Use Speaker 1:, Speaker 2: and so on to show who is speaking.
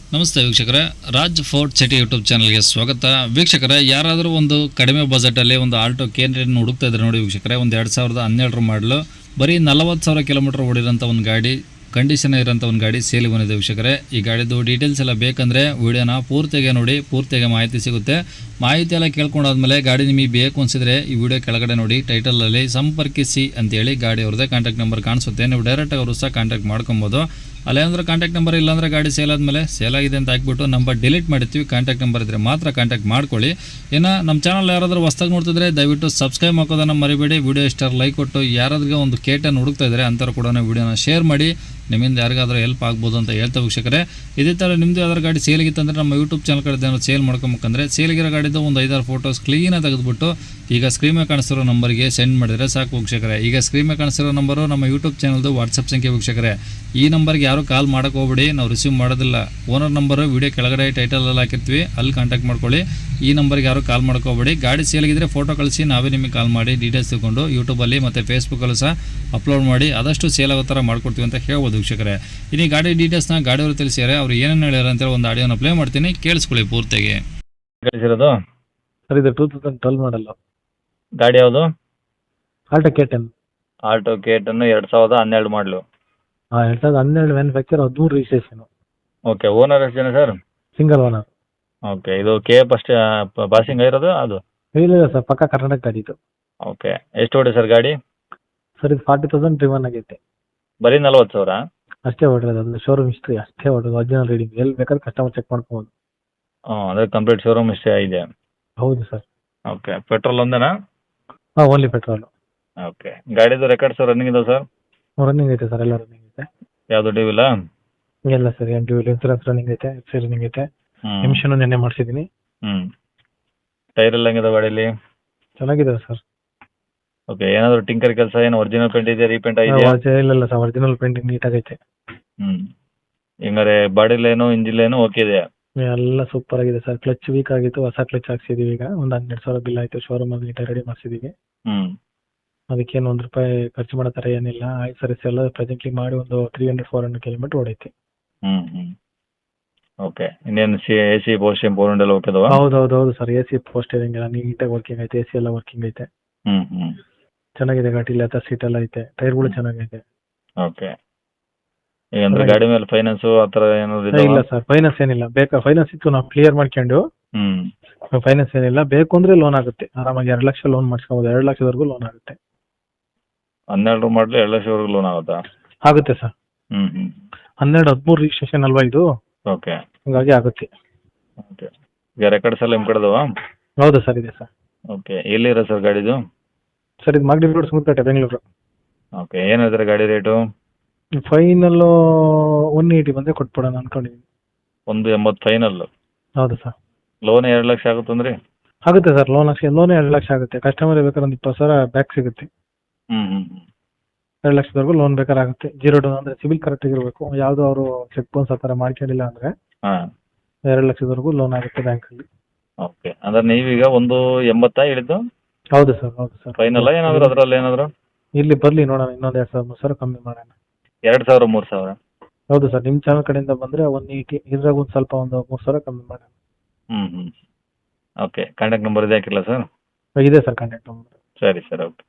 Speaker 1: ನಮಸ್ತೆ ವೀಕ್ಷಕರೇ, Raj fort city YouTube ಚಾನಲ್ಗೆ ಸ್ವಾಗತ. ವೀಕ್ಷಕರೇ, ಯಾರಾದರೂ ಒಂದು ಕಡಿಮೆ ಬಜೆಟಲ್ಲಿ ಒಂದು ಆಲ್ಟೋ ಕೇನ್ ಹುಡುಕ್ತಾ ಇದ್ದಾರೆ ನೋಡಿ ವೀಕ್ಷಕರೇ. ಒಂದು 2012 ಮಾಡಲು ಬರೀ 40,000 ಕಿಲೋಮೀಟರ್ ಓಡಿರೋಂಥ ಒಂದು ಗಾಡಿ, ಕಂಡೀಷನ್ ಇರೋಂಥ ಒಂದು ಗಾಡಿ ಸೇಲಿ ಬಂದಿದೆ ವೀಕ್ಷಕರೇ. ಈ ಗಾಡಿದು ಡೀಟೇಲ್ಸ್ ಎಲ್ಲ ಬೇಕಂದರೆ ವಿಡಿಯೋನ ಪೂರ್ತಿಗೆ ನೋಡಿ, ಪೂರ್ತಿಗೆ ಮಾಹಿತಿ ಸಿಗುತ್ತೆ. ಮಾಹಿತಿ ಎಲ್ಲ ಕೇಳ್ಕೊಂಡಾದ್ಮೇಲೆ ಗಾಡಿ ನಿಮಗೆ ಬೇಕು ಅನಿಸಿದ್ರೆ ಈ ವಿಡಿಯೋ ಕೆಳಗಡೆ ನೋಡಿ ಟೈಟಲಲ್ಲಿ ಸಂಪರ್ಕಿಸಿ ಅಂತೇಳಿ ಗಾಡಿ ಅವ್ರದ್ದೇ ಕಾಂಟ್ಯಾಕ್ಟ್ ನಂಬರ್ ಕಾಣಿಸುತ್ತೆ. ನೀವು ಡೈರೆಕ್ಟಾಗಿ ಅವರು ಸಹ ಕಾಂಟ್ಯಾಕ್ಟ್ ಮಾಡ್ಕೊಬೋದು. ಅಲ್ಲೇಂದ್ರೆ ಕಾಂಟ್ಯಾಕ್ಟ್ ನಂಬರ್ ಇಲ್ಲಾಂದರೆ ಗಾಡಿ ಸೇಲ್ ಆದಮೇಲೆ ಸೇಲ್ ಆಗಿದೆ ಅಂತ ಹಾಕ್ಬಿಟ್ಟು ನಂಬರ್ ಡಿಲೀಟ್ ಮಾಡಿರ್ತೀವಿ. ಕಾಂಟ್ಯಾಕ್ಟ್ ನಂಬರ್ ಇದ್ದರೆ ಮಾತ್ರ ಕಾಂಟ್ಯಾಕ್ಟ್ ಮಾಡ್ಕೊಳ್ಳಿ. ಇನ್ನು ನಮ್ಮ ಚಾನಲ್ ಯಾರಾದರೂ ಹೊಸ್ದಾಗಿ ನೋಡ್ತಿದ್ರೆ ದಯವಿಟ್ಟು ಸಬ್ಸ್ಕ್ರೈಬ್ ಮಾಡೋದನ್ನು ಮರಿಬೇಡಿ. ವಿಡಿಯೋ ಇಷ್ಟ ಲೈಕ್ ಕೊಟ್ಟು ಯಾರಾದ್ರಿಗೆ ಒಂದು ಕೇಟನ್ನು ಹುಡುಕ್ತಾ ಇದ್ದಾರೆ ಅಂಥವ್ರು ಕೂಡ ವಿಡಿಯೋನ ಶೇರ್ ಮಾಡಿ. ನಿಮ್ಮಿಂದ ಯಾರಿಗಾದ್ರೂ ಹೆಲ್ಪ್ ಆಗ್ಬೋದು ಅಂತ ಹೇಳ್ತಾ ವೀಕ್ಷಕರೇ. ಇದೇ ಥರ ನಿಮ್ಮದು ಯಾವ್ದಾರು ಗಾಡಿ ಸೇಲಿಗಿತ್ತಂದರೆ ನಮ್ಮ ಯೂಟ್ಯೂಬ್ ಚಾನಲ್ ಕಡೆ ಏನಾದ್ರು ಸೇಲ್ ಮಾಡ್ಕೊಬೇಕಂದ್ರೆ ಸೇಲಿಗಿರೋ ಗಾಡಿದು ಒಂದು 5-6 ಫೋಟೋಸ್ ಕ್ಲೀನಾಗಿ ತೆಗೆದುಬಿಟ್ಟು ಈಗ ಸ್ಕ್ರೀನ್ ಮೇಲೆ ಕಾಣಿಸ್ತಿರೋ ನಂಬರ್ಗೆ ಸೆಂಡ್ ಮಾಡಿದರೆ ಸಾಕು ವೀಕ್ಷಕರೇ. ಈಗ ಸ್ಕ್ರೀನ್ ಮೇಲೆ ಕಾಣಿಸ್ತಿರೋ ನಂಬರು ನಮ್ಮ ಯೂಟ್ಯೂಬ್ ಚಾನಲ್ದು ವಾಟ್ಸಪ್ ಸಂಖ್ಯೆ ವೀಕ್ಷಕರೇ. ಈ ನಂಬರ್ಗೆ ಯಾರು ಕಾಲ್ ಮಾಡೋಕೆ ಹೋಗ್ಬಿಡಿ, ನಾವು ರಿಸೀವ್ ಮಾಡೋದಿಲ್ಲ. ಓನರ್ ನಂಬರು ವಿಡಿಯೋ ಕೆಳಗಡೆ ಟೈಟಲಲ್ಲಿ ಹಾಕಿರ್ತೀವಿ, ಅಲ್ಲಿ ಕಾಂಟ್ಯಾಕ್ಟ್ ಮಾಡ್ಕೊಳ್ಳಿ. ಈ ನಂಬರ್ಗೆ ಯಾರು ಕಾಲ್ ಮಾಡ್ಕೋಬೇಡಿ. ಗಾಡಿ ಸೇಲಿಗಿದ್ರೆ ಫೋಟೋ ಕಳಿಸಿ, ನಾವೇ ನಿಮಗೆ ಕಾಲ್ ಮಾಡಿ ಡೀಟೇಲ್ಸ್ ತಗೊಂಡು ಯೂಟ್ಯೂಬಲ್ಲಿ ಮತ್ತು ಫೇಸ್ಬುಕ್ಕಲ್ಲೂ ಸಹ ಅಪ್ಲೋಡ್ ಮಾಡಿ ಆದಷ್ಟು ಸೇಲ್ ಆಗೋ ಥರ ಮಾಡ್ಕೊಡ್ತೀವಿ ಅಂತ ಹೇಳ್ಬೋದು ವೀಕ್ಷಕರೇ. ಇನ್ನು ಗಾಡಿ ಡೀಟೇಲ್ಸ್ನ ಗಾಡಿಯವರು ತಿಳಿಸಿದ್ದಾರೆ, ಅವ್ರು ಏನೇನು ಹೇಳ್ಯಾರ ಅಂತೇಳಿ ಒಂದು ಆಡಿಯೋನ ಪ್ಲೇ ಮಾಡ್ತೀನಿ, ಕೇಳಿಸ್ಕೊಳ್ಳಿ ಪೂರ್ತಿಗೆ.
Speaker 2: ಕಳಿಸಿರೋದು
Speaker 3: ಸರ್ ಇದು 2012 ಮಾಡಲ್
Speaker 2: ಗಾಡಿ ಯಾವುದು?
Speaker 3: Alto K10.
Speaker 2: ಆಲ್ಟೋ K10 2012 ಮಾಡಲು.
Speaker 3: 2012 ಮ್ಯಾನುಫ್ಯಾಕ್ಚರ್, 13 ರಿಜಿಸ್ಟ್ರೇಷನ್.
Speaker 2: ಓಕೆ. ಓನರ್ ಎಷ್ಟು ಜನ ಸರ್?
Speaker 3: Single owner.
Speaker 2: ಓಕೆ. ಇದು ಕೆ ಫಸ್ಟ್ ಪಾಸಿಂಗ್ ಆಗಿರೋದು ಅದು?
Speaker 3: ಇಲ್ಲ ಸರ್, ಪಕ್ಕ ಕರ್ನಾಟಕ ಗಾಡಿ ಇದು.
Speaker 2: ಓಕೆ. ಎಷ್ಟು ಓಡಿ ಸರ್ ಗಾಡಿ?
Speaker 3: ಸರ್ ಇದು 40,000 ಡ್ರಿವನ್ ಆಗೈತೆ.
Speaker 2: ಬರೀ 40,000?
Speaker 3: ಅಷ್ಟೇ ಹೊಡಿರೋದು, ಅದು ಶೋರೂಮ್ ಹಿಸ್ಟ್ರಿ ಅಷ್ಟೇ ಹೊಡಿರೋದು. ಒರಿಜಿನಲ್ ರೀಡಿಂಗ್ ಎಲ್ಲಿ ಬೇಕಾದ್ರೆ ಕಸ್ಟಮರ್ ಚೆಕ್ ಮಾಡ್ಕೋಬೋದು.
Speaker 2: ಅಂದರೆ ಕಂಪ್ಲೀಟ್ ಶೋರೂಮ್ ಇಷ್ಟೇ ಇದೆ?
Speaker 3: ಹೌದು ಸರ್.
Speaker 2: ಓಕೆ. ಪೆಟ್ರೋಲ್ ಒಂದೇನಾ?
Speaker 3: Only petrol.
Speaker 2: ಓಕೆ. ಗಾಡಿದು ರೆಕಾರ್ಡ್ಸ್ ರನ್ನಿಂಗ್ ಇದಾವೆ ಸರ್?
Speaker 3: ರನ್ನಿಂಗ್ ಐತೆ ಸರ್, ಎಲ್ಲ ರನ್ನಿಂಗ್ ಐತೆ.
Speaker 2: ಯಾವುದು ಡ್ಯೂ ಇಲ್ಲ?
Speaker 3: ಎಲ್ಲ ಸರ್, ಏನು ಡ್ಯೂ ಇಲ್ಲ. ಇನ್ಸೂರೆನ್ಸ್ ರನ್ನಿಂಗ್ ಐತೆ, ಎಫ್ಸಿ ರನ್ನಿಂಗ್ ಐತೆ. ಎಮಿಷನ್ ನೆನ್ನೆ ಮಾಡಿಸಿದ್ದೀನಿ.
Speaker 2: ಟೈರ್ ಎಲ್ಲ ಹೆಂಗಿದೆ ಗಾಡೀಲಿ?
Speaker 3: ಚೆನ್ನಾಗಿದ್ದಾವೆ ಸರ್.
Speaker 2: ಓಕೆ. ಏನಾದರೂ ಟಿಂಕರ್ ಕೆಲಸ, ಏನು ಒರಿಜಿನಲ್ ಪೇಂಟ್ ಇದೆಯಾ, ರೀಪೇಂಟ್ ಆಗಿದೆಯಾ?
Speaker 3: ಇಲ್ಲ ಸರ್, ಒರಿಜಿನಲ್ ಪೇಂಟಿಂಗ್ ನೀಟಾಗೈತೆ.
Speaker 2: ಹಿಂಗಾರೆ body line engine line okay ಇದೆಯಾ?
Speaker 3: ಎಲ್ಲ ಸೂಪರ್ ಆಗಿದೆ ಸರ್. ಕ್ಲಚ್ ವೀಕ್ ಆಗಿತ್ತು, ಹೊಸ ಕ್ಲಚ್ ಹಾಕ್ಸಿದೀವಿ. ಈಗ ಒಂದು 12,000 ಬಿಲ್ ಆಯ್ತು. ಶೋರೂಮ್ ಅಲ್ಲಿ ನೀಟಾಗಿ ರೆಡಿ ಮಾಡಿಸಿದೀವಿ. ಅದಕ್ಕೇನು ₹1 ಖರ್ಚು ಮಾಡೋ ಥರ ಏನಿಲ್ಲ. ಆಯ್ತು ಸರ್, ಎಲ್ಲ ಪ್ರೆಸೆಂಟ್ಲಿ ಮಾಡಿ ಒಂದು 300-400 ಕಿಲೋಮೀಟರ್ ಓಡೈತಿ.
Speaker 2: ಓಕೆ. ಇನ್ನೇನು AC ಪೋಸ್ಟ್ ಬೋರ್ಡ್ ಎಲ್ಲ ಓಕೆ ಅದಾವ?
Speaker 3: ಹೌದು ಸರ್, AC ಪೋಸ್ಟ್ ಎಲ್ಲ ನೀಟಾಗಿ ವರ್ಕಿಂಗ್ ಐತೆ. AC ಎಲ್ಲ ವರ್ಕಿಂಗ್ ಐತೆ. ಚೆನ್ನಾಗಿದೆ ಗಾಡಿ. ಲೆದರ್ ಸೀಟ್ ಎಲ್ಲ ಐತೆ. ಟೈರ್ಗಳು ಚೆನ್ನಾಗೈತೆ.
Speaker 2: ಓಕೆ. ಈಗ ಅಂದ್ರೆ ಗಾಡಿ ಮೇಲೆ ಫೈನಾನ್ಸ್ ಆ ಥರ ಏನಾದ್ರು
Speaker 3: ಇಲ್ಲ ಸರ್, ಫೈನಾನ್ಸ್ ಏನಿಲ್ಲ. ಬೇಕಾ ಫೈನಾನ್ಸ್ ಇತ್ತು, ನಾವು ಕ್ಲಿಯರ್ ಮಾಡ್ಕೊಂಡು. ಫೈನಾನ್ಸ್ ಏನಿಲ್ಲ. ಬೇಕು ಅಂದ್ರೆ ಲೋನ್ ಆಗುತ್ತೆ ಆರಾಮಾಗಿ. 2 ಲಕ್ಷ ಲೋನ್ ಮಾಡಿಸ್ಕೋಬೋದು. 2 ಲಕ್ಷದವರೆಗೂ ಲೋನ್ ಆಗುತ್ತೆ.
Speaker 2: 12 ಮಾಡಲು 2 ಲಕ್ಷವರೆಗೂ ಲೋನ್ ಆಗುತ್ತಾ?
Speaker 3: ಆಗುತ್ತೆ ಸರ್. 13 ರಿಜಿಸ್ಟ್ರೇಷನ್ ಅಲ್ವಾ ಇದು?
Speaker 2: ಓಕೆ.
Speaker 3: ಹಂಗಾಗಿ ಆಗುತ್ತೆ.
Speaker 2: ಓಕೆ. ಈಗ ರೆಕಾರ್ಡ್ಸ್ ಎಲ್ಲ ನಿಮ್ಮ ಕಡೆದವಾ?
Speaker 3: ಹೌದು ಸರ್, ಇದೆ ಸರ್.
Speaker 2: ಓಕೆ. ಎಲ್ಲಿರೋ ಸರ್ ಗಾಡಿದು?
Speaker 3: ಸರ್ ಇದು ಮಾಗಡಿ ರೋಡ್, ಸುಮತ್ಪೇಟೆ, ಬೆಂಗಳೂರು.
Speaker 2: ಓಕೆ. ಏನು ಹೇಳ್ತಾರೆ ಗಾಡಿ ರೇಟು?
Speaker 3: ಫೈನಲ್ 180 ಬಂದರೆ ಕೊಟ್ಬಿಡೋಣ ಅನ್ಕೊಂಡಿದ್ದೀನಿ.
Speaker 2: 180 ಫೈನಲ್?
Speaker 3: ಹೌದು ಸರ್.
Speaker 2: ಲೋನ್ 2 ಲಕ್ಷ ಆಗುತ್ತಂದ್ರಿ?
Speaker 3: ಆಗುತ್ತೆ ಸರ್. ಲೋನ್ 2 ಲಕ್ಷ ಆಗುತ್ತೆ. ಕಸ್ಟಮರ್ ಬೇಕಾದ್ರೆ ಒಂದು 20,000 ಬ್ಯಾಕ್ ಸಿಗುತ್ತೆ. 2 ಲಕ್ಷದವರೆಗೂ ಲೋನ್ ಬೇಕಾದ್ರೆ ಆಗುತ್ತೆ. 0 ಡೌನ್ ಅಂದರೆ ಸಿಬಿಲ್ ಕರೆಕ್ಟ್ ಆಗಿರಬೇಕು. ಯಾವುದೋ ಅವರು ಚೆಕ್ ಬೌನ್ಸ್ ಆ ಥರ ಮಾಡ್ಕೊಂಡಿಲ್ಲ ಅಂದರೆ 2 ಲಕ್ಷದವರೆಗೂ ಲೋನ್ ಆಗುತ್ತೆ ಬ್ಯಾಂಕಲ್ಲಿ.
Speaker 2: ಓಕೆ. ಅಂದ್ರೆ ನೀವೀಗ 180 ಹೇಳಿದ್ದು?
Speaker 3: ಹೌದು ಸರ್.
Speaker 2: ಫೈನಲ್ ಏನಾದರೂ ಅದರಲ್ಲಿ ಏನಾದರೂ?
Speaker 3: ಇಲ್ಲಿ ಬರಲಿ ನೋಡೋಣ, ಇನ್ನೊಂದು 2,000-3,000 ಕಮ್ಮಿ ಮಾಡೋಣ.
Speaker 2: 2,000-3,000?
Speaker 3: ಹೌದು ಸರ್. ನಿಮ್ಮ ಚಾನಲ್ ಕಡೆಯಿಂದ ಬಂದರೆ 180, ಇದ್ರಾಗ ಒಂದು ಸ್ವಲ್ಪ ಒಂದು 3,000 ಕಮ್ಮಿ ಮಾಡೋಣ.
Speaker 2: ಓಕೆ. ಕಾಂಟ್ಯಾಕ್ಟ್ ನಂಬರ್ ಇದೆ ಹಾಕಿಲ್ಲ ಸರ್?
Speaker 3: ಇದೆ ಸರ್ ಕಾಂಟ್ಯಾಕ್ಟ್ ನಂಬರ್.
Speaker 2: ಸರಿ ಸರ್. ಓಕೆ.